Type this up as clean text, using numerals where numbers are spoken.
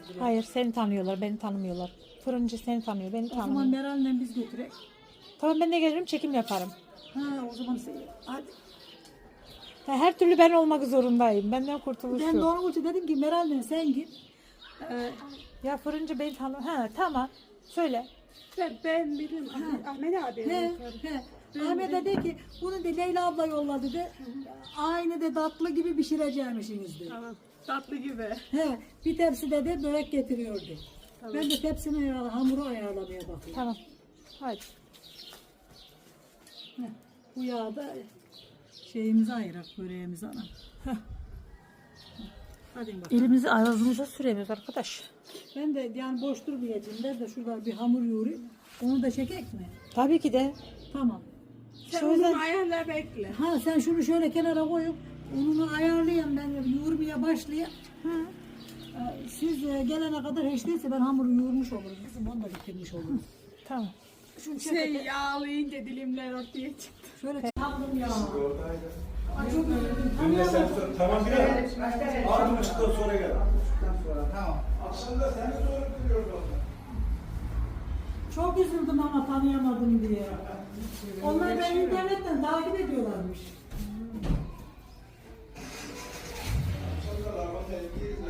direkt. Hayır, seni tanıyorlar, beni tanımıyorlar. Fırıncı seni tanıyor, beni O zaman tanımıyor. Meral'le biz götürek. Tamam, ben de gelirim, çekim yaparım. Ha o zaman hadi. Her türlü ben olmak zorundayım. Benden kurtuluş Ben de yok. onun için dedim ki Meral'le sen git. Ya fırıncı beni tanıyor. Ha tamam. Söyle. Ben bilirim Ahmet abi. Ahmet de dedi ki bunu de Leyla abla yolladı de. Aynı de tatlı gibi pişireceğimişsiniz de. Tamam. Tatlı gibi. Bir tepsi de börek getiriyordu. Ben de tepsini hamuru ayarlamaya bakıyorum. Tamam. Hadi. Bu yağda şeyimizi ayırak böreğimizi ana. Hadi bakalım. Elimizi ağzımıza süremiyoruz arkadaş. Ben de yani boş durmayacağım. Ben de şurada bir hamur yoğurayım. Onu da çekek mi? Tabii ki de. Tamam. Sen Şöyle- onu ayarla bekle. Ha sen şunu şöyle kenara koyup ununu ayarlayayım ben yoğurmaya başlayayım. Siz gelene kadar hiç değilse ben hamuru yoğurmuş olurum kızım. Onu da bitirmiş olurum. Tamam. Şunu Yağlayınca dilimler ortaya çıktı. şöyle çaldım ya. Önce sen tamam gel. Abi ışıktan sonra gel. Tamam. Aslında seni sonra biliyoruz Çok üzüldüm ama tanıyamadım diye. Onlar beni internetten takip ediyorlarmış. Akşamda araba tehlikeli